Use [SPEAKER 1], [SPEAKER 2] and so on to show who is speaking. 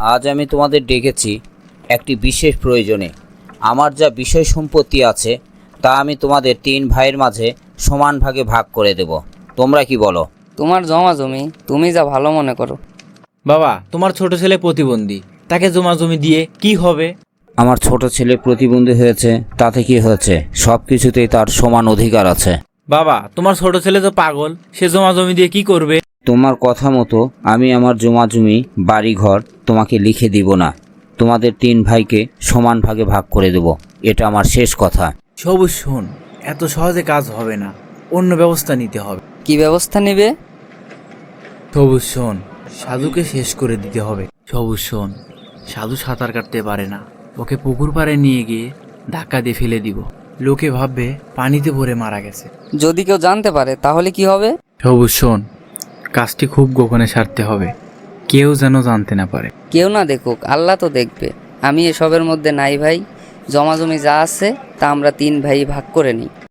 [SPEAKER 1] আজ আমি তোমাদের ডেকেছি একটি বিশেষ প্রয়োজনে। আমার যা বিষয় সম্পত্তি আছে তা আমি তোমাদের 3 ভাইয়ের মাঝে সমান ভাগে ভাগ করে দেব। তোমরা কি বলো?
[SPEAKER 2] তোমার জমা জমি তুমি যা ভালো মনে করো।
[SPEAKER 3] বাবা, তোমার ছোট ছেলে প্রতিবন্ধী, তাকে জমা জমি দিয়ে কি হবে?
[SPEAKER 1] আমার ছোট ছেলে প্রতিবন্ধী হয়েছে, তাতে কি হয়েছে? সব কিছুতেই তার সমান অধিকার আছে।
[SPEAKER 3] বাবা, তোমার ছোট ছেলে তো পাগল, সে জমা জমি দিয়ে কি করবে?
[SPEAKER 1] তোমার কথা মতো আমি আমার জমা জমি বাড়িঘর তোমাকে লিখে দিব না। তোমাদের 3 ভাইকে সমান ভাগে ভাগ করে দেব। এটা আমার শেষ কথা।
[SPEAKER 3] সবুজ শোন, এত সহজে কাজ হবে না, অন্য ব্যবস্থা নিতে হবে।
[SPEAKER 2] কি ব্যবস্থা নেবে?
[SPEAKER 3] সবুজ শোন, সাধুকে শেষ করে দিতে হবে। সবুজ শোন, সাধু সাঁতার কাটতে পারে না, ওকে পুকুর পাড়ে নিয়ে গিয়ে ধাক্কা দিয়ে ফেলে দিব। লোকে ভাববে পানিতে পড়ে মারা গেছে।
[SPEAKER 2] যদি কেউ জানতে পারে তাহলে কি হবে?
[SPEAKER 3] সবুজ শোন, কাজটি খুব গোপনে সারতে হবে, কেউ যেন জানতে না পারে।
[SPEAKER 2] কেউ না দেখুক, আল্লাহ তো দেখবে। আমি এসবের মধ্যে নাই ভাই। জমা জমি যা আছে তা আমরা 3 ভাই ভাগ করে নিই।